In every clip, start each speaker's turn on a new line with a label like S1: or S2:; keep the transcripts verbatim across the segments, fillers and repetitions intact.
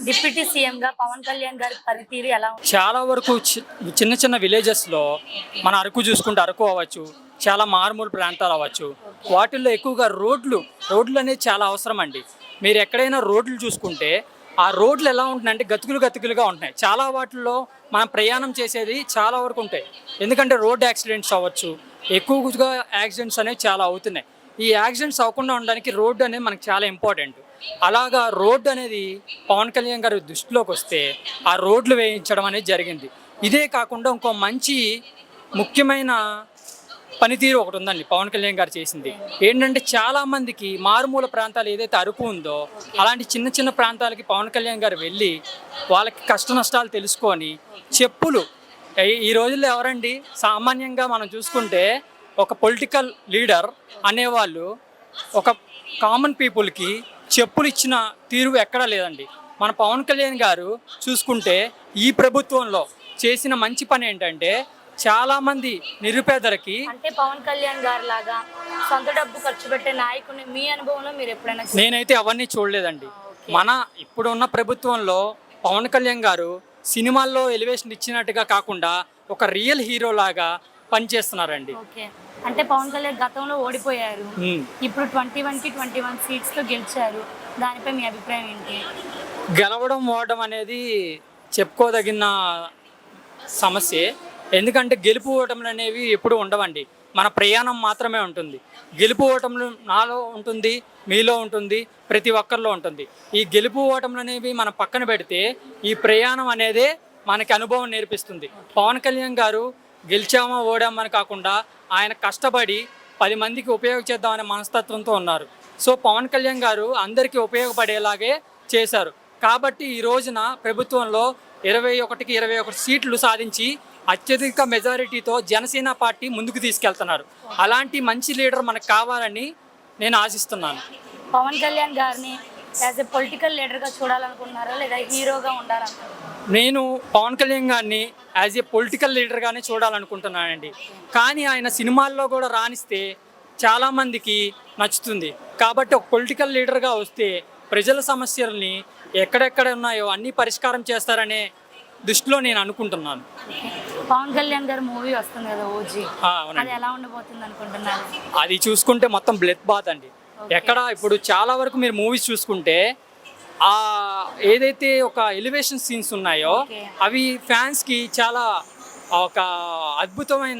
S1: Deputy CM గా పవన్ కళ్యాణ్ గారి పనితీరు ఎలా ఉంది?
S2: చాలా వరకు చి- చిన్న చిన్న విలేజెస్లో మన అరకు చూసుకుంటే అరకు అవ్వచ్చు, చాలా మారుమూల ప్రాంతాలు అవ్వచ్చు, వాటిల్లో ఎక్కువగా రోడ్లు రోడ్లు అనేది చాలా అవసరం అండి. మీరు ఎక్కడైనా రోడ్లు చూసుకుంటే ఆ రోడ్లు ఎలా ఉంటున్నాయంటే గతుకులు గతుకులుగా ఉంటున్నాయి. చాలా వాటిల్లో మనం ప్రయాణం చేసేది చాలా వరకు ఉంటాయి. ఎందుకంటే రోడ్ యాక్సిడెంట్స్ అవ్వచ్చు, ఎక్కువగా యాక్సిడెంట్స్ అనేవి చాలా అవుతున్నాయి. ఈ యాక్సిడెంట్స్ అవ్వకుండా ఉండడానికి రోడ్డు అనేది మనకు చాలా ఇంపార్టెంట్. అలాగా రోడ్డు అనేది పవన్ కళ్యాణ్ గారి దృష్టిలోకి వస్తే ఆ రోడ్లు వేయించడం అనేది జరిగింది. ఇదే కాకుండా ఇంకో మంచి ముఖ్యమైన పనితీరు ఒకటి ఉందండి పవన్ కళ్యాణ్ గారు చేసింది. ఏంటంటే చాలామందికి మారుమూల ప్రాంతాలు ఏదైతే అరకు ఉందో అలాంటి చిన్న చిన్న ప్రాంతాలకి పవన్ కళ్యాణ్ గారు వెళ్ళి వాళ్ళకి కష్ట నష్టాలు తెలుసుకొని చెప్పులు ఈ- ఈ రోజుల్లో ఎవరండి సామాన్యంగా మనం చూసుకుంటే ఒక పొలిటికల్ లీడర్ అనేవాళ్ళు ఒక కామన్ పీపుల్కి చెప్పులు ఇచ్చిన తీరు ఎక్కడా లేదండి. మన పవన్ కళ్యాణ్ గారు చూసుకుంటే ఈ ప్రభుత్వంలో చేసిన మంచి పని ఏంటంటే చాలామంది నిరుపేదలకి
S1: అంటే పవన్ కళ్యాణ్ గారి లాగా సొంత డబ్బు ఖర్చు పెట్టే నాయకుని మీ అనుభవంలో మీరు ఎప్పుడైనా చూసారా?
S2: నేనైతే అవన్నీ చూడలేదండి. మన ఇప్పుడున్న ప్రభుత్వంలో పవన్ కళ్యాణ్ గారు సినిమాల్లో ఎలివేషన్ ఇచ్చినట్టుగా కాకుండా ఒక రియల్ హీరో లాగా పనిచేస్తున్నారండి.
S1: ఓకే, అంటే పవన్ కళ్యాణ్ గతంలో ఓడిపోయారు,
S2: ఉమ్.
S1: ఇప్పుడు ట్వంటీ వన్ కి ట్వంటీ వన్ సీట్స్ తో గెలిచారు. దానిపై మీ అభిప్రాయం ఏంటి?
S2: గెలవడం ఓడడం అనేది చెప్పుకోదగిన సమస్యే. ఎందుకంటే గెలుపు ఓటములు అనేవి ఎప్పుడు ఉండవండి. మన ప్రయాణం మాత్రమే ఉంటుంది. గెలుపు ఓటములు నాలో ఉంటుంది, మీలో ఉంటుంది, ప్రతి ఒక్కరిలో ఉంటుంది. ఈ గెలుపు ఓటములు అనేవి మనం పక్కన పెడితే ఈ ప్రయాణం అనేదే మనకి అనుభవం నేర్పిస్తుంది. పవన్ కళ్యాణ్ గారు గెలిచామా ఓడామని కాకుండా ఆయన కష్టపడి పది మందికి ఉపయోగ చేద్దామనే మనస్తత్వంతో ఉన్నారు. సో పవన్ కళ్యాణ్ గారు అందరికీ ఉపయోగపడేలాగే చేశారు. కాబట్టి ఈ రోజున ప్రభుత్వంలో ఇరవై ఒకటికి ఇరవై ఒకటి సీట్లు సాధించి అత్యధిక మెజారిటీతో జనసేన పార్టీ ముందుకు తీసుకెళ్తున్నారు. అలాంటి మంచి లీడర్ మనకు కావాలని నేను ఆశిస్తున్నాను.
S1: పవన్ కళ్యాణ్ గారిని యాజ్ ఎ పొలిటికల్ లీడర్ గా చూడాలనుకుంటున్నారా లేదా హీరోగా ఉండాలనుకుంటున్నారా?
S2: నేను పవన్ కళ్యాణ్ గారిని యాజ్ ఏ పొలిటికల్ లీడర్గానే చూడాలనుకుంటున్నానండి. కానీ ఆయన సినిమాల్లో కూడా రాణిస్తే చాలామందికి నచ్చుతుంది. కాబట్టి ఒక పొలిటికల్ లీడర్గా వస్తే ప్రజల సమస్యల్ని ఎక్కడెక్కడ ఉన్నాయో అన్నీ పరిష్కారం చేస్తారనే దృష్టిలో నేను అనుకుంటున్నాను.
S1: పవన్ కళ్యాణ్ గారి మూవీ వస్తుంది కదా ఓజీ,
S2: ఆ,
S1: అది
S2: అవునండి.
S1: ఎలా ఉండబోతుంది అనుకుంటున్నారు?
S2: అది చూసుకుంటే మొత్తం బ్లడ్ బాత్ అండి. ఎక్కడ ఇప్పుడు చాలా వరకు మీరు మూవీస్ చూసుకుంటే ఆ ఏదైతే ఒక ఎలివేషన్ సీన్స్ ఉన్నాయో
S1: Okay.
S2: అవి ఫ్యాన్స్కి చాలా ఒక అద్భుతమైన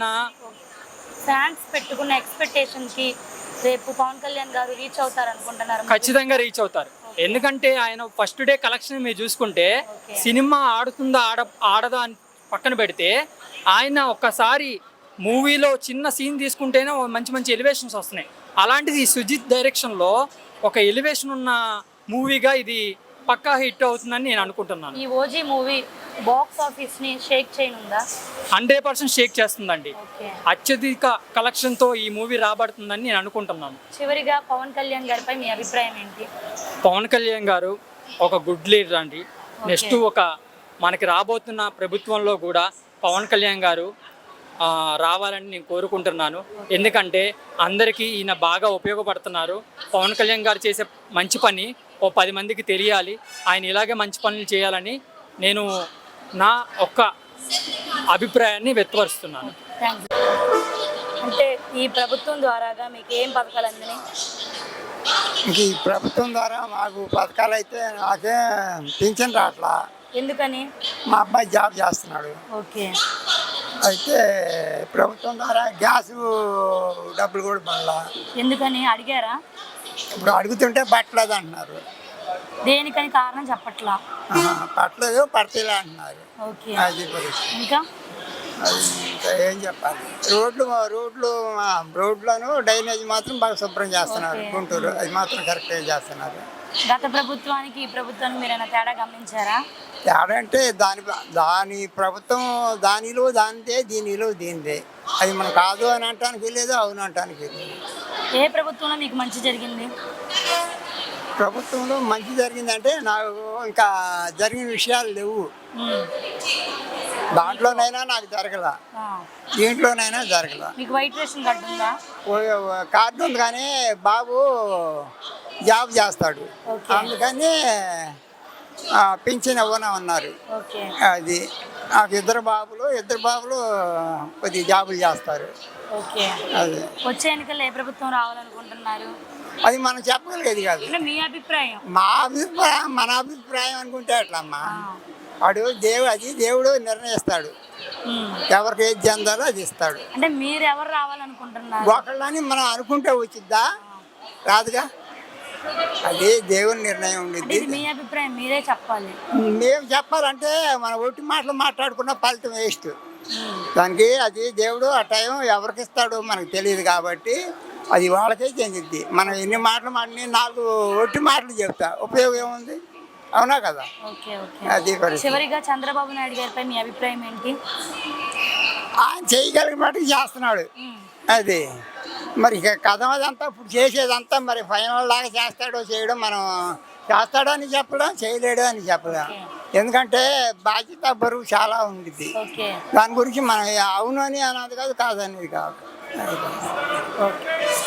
S1: ఫ్యాన్స్ పెట్టుకున్న ఎక్స్పెక్టేషన్ కి రేపు పవన్ కళ్యాణ్ గారు రీచ్ అవుతారు అనుకుంటున్నారు?
S2: ఖచ్చితంగా రీచ్ అవుతారు. ఎందుకంటే ఆయన ఫస్ట్ డే కలెక్షన్ మీరు చూసుకుంటే
S1: Okay.
S2: సినిమా ఆడుతుందా ఆడ ఆడదా అని పక్కన పెడితే ఆయన ఒక్కసారి మూవీలో చిన్న సీన్ తీసుకుంటేనే ఓ మంచి మంచి ఎలివేషన్స్ వస్తున్నాయి. అలాంటిది ఈ సుజిత్ డైరెక్షన్లో ఒక ఎలివేషన్ ఉన్న మూవీగా ఇది పక్కా హిట్ అవుతుందని నేను అనుకుంటున్నాను.
S1: ఈ ఓజీ మూవీ బాక్స్ ఆఫీస్ ని షేక్ చేయనుందా?
S2: హండ్రెడ్ పర్సెంట్ షేక్ చేస్తుందండి.
S1: ఓకే,
S2: అత్యధిక కలెక్షన్తో ఈ మూవీ రాబడుతుందని నేను అనుకుంటున్నాను.
S1: చివరిగా పవన్ కళ్యాణ్ గారిపై మీ అభిప్రాయం ఏంటి?
S2: పవన్ కళ్యాణ్ గారు ఒక గుడ్ లీడర్ అండి. నెక్స్ట్ ఒక మనకి రాబోతున్న ప్రభుత్వంలో కూడా పవన్ కళ్యాణ్ గారు ఆ, రావాలని నేను కోరుకుంటున్నాను. ఎందుకంటే అందరికీ ఈయన బాగా ఉపయోగపడుతున్నారు. పవన్ కళ్యాణ్ గారు చేసే మంచి పని ఓ పది మందికి తెలియాలి. ఆయన ఇలాగే మంచి పనులు చేయాలని నేను నా ఒక్క అభిప్రాయాన్ని వ్యక్తపరుస్తున్నాను.
S1: థ్యాంక్స్. అంటే ఈ ప్రభుత్వం ద్వారాగా మీకు ఏం పథకాలు అందినాయి?
S3: ఇంక ఈ ప్రభుత్వం ద్వారా మాకు పథకాలు అయితే నాకే పింఛన్ రావట్లా.
S1: ఎందుకని?
S3: మా అబ్బాయి జాబ్ చేస్తున్నాడు.
S1: ఓకే,
S3: అయితే ప్రభుత్వం ద్వారా గ్యాస్ డబ్బులు కూడా పడలా.
S1: ఎందుకని అడిగారా?
S3: ఇప్పుడు అడుగుతుంటే పట్టలేదు అంటున్నారు.
S1: దేనికని కారణం చెప్పట్లా?
S3: ఆహా, పట్టలేదు పడతలే అంటున్నారు.
S1: ఓకే,
S3: అది పరిస్థితి.
S1: ఇంకా
S3: అది ఇంకా ఏం చెప్పాలి. రోడ్లు రోడ్లు ఆ, రోడ్లను డ్రైనేజ్ మాత్రం బాగా శుభ్రం చేస్తున్నారు.
S1: ఓకే.
S3: గుంటూరు అది మాత్రం కరెక్ట్గా చేస్తున్నారు.
S1: గత ప్రభుత్వానికి ఈ ప్రభుత్వానికి మీరు ఏమైనా తేడా గమనించారా?
S3: తేడా అంటే దాని దాని ప్రభుత్వం దానిలో దానిదే దీనిలో దీనిదే. అది మనం కాదు అని అంటానికి లేదు, అవును అంటానికి లేదు.
S1: ఏ ప్రభుత్వంలో మీకు మంచి జరిగింది?
S3: ప్రభుత్వంలో మంచి జరిగిందంటే నాకు ఇంకా జరిగిన విషయాలు లేవు.
S1: ఉమ్.
S3: దాంట్లోనైనా నాకు జరగల,
S1: ఆ.
S3: దీంట్లోనైనా జరగల.
S1: మీకు వైట్ రేషన్ కార్డు ఉందా?
S3: ఓ- కార్డు ఉంది కానీ బాబు జాబ్ చేస్తాడు.
S1: ఓకే.
S3: అందుకని ఆ, పింఛన్ ఇవ్వనన్నారు.
S1: ఓకే.
S3: అది నాకు ఇద్దరు బాబులు ఇద్దరు బాబులు కొద్ది జాబులు చేస్తారు.
S1: ఓకే.
S3: అది
S1: వచ్చే ఎన్నికల్లో ఏ ప్రభుత్వం రావాలనుకుంటున్నారు?
S3: అది మనం చెప్పగలిగేది కాదు.
S1: అంటే మీ అభిప్రాయం.
S3: మా అభిప్రాయం మన అభిప్రాయం అనుకుంటే అట్లమ్మా.
S1: ఆ.
S3: వాడు దేవుడు అది దేవుడు నిర్ణయిస్తాడు.
S1: ఉమ్.
S3: ఎవరికి ఏది చెందాలో అది ఇస్తాడు.
S1: అంటే మీరు ఎవరు రావాలనుకుంటున్నారు?
S3: ఒకళ్ళని మనం అనుకుంటే వచ్చిద్దా? రాదుగా. అది దేవుని నిర్ణయం
S1: అంటే
S3: ఉండిద్ది.
S1: ఇది మీ అభిప్రాయం, మీరే చెప్పాలి.
S3: మేము చెప్పాలంటే మన ఒట్టి మాటలు మాట్లాడుకున్న ఫలితం వేస్ట్.
S1: ఉమ్.
S3: దానికి అది దేవుడు ఆ టైం ఎవరికి ఇస్తాడో మనకు తెలియదు కాబట్టి అది వాళ్ళకే చెందిద్ది. మనం ఎన్ని మాటలు మాటలు నాలుగు ఒట్టి మాటలు చెప్తా ఉపయోగం ఏముంది? అవునా కదా?
S1: ఓకే. ఓకే.
S3: అది పరిస్థితి.
S1: చివరిగా చంద్రబాబు నాయుడు గారిపై మీ అభిప్రాయం ఏంటి?
S3: ఆయన చేయగలిగిన మటుకు చేస్తున్నాడు.
S1: ఉమ్.
S3: అది మరి ఇక కథ అదంతా ఇప్పుడు చేసేదంతా మరి ఫైనల్ లాగా చేస్తాడో చేయడం మనం చేస్తాడో అని చెప్పడం, చేయలేడు అని చెప్పడం. ఎందుకంటే బాధ్యత బరువు చాలా ఉండిద్ది.
S1: ఓకే.
S3: దాని గురించి మనం అవును అని అన్నది కాదు, కాదనేది కాదు.
S1: ఓకే.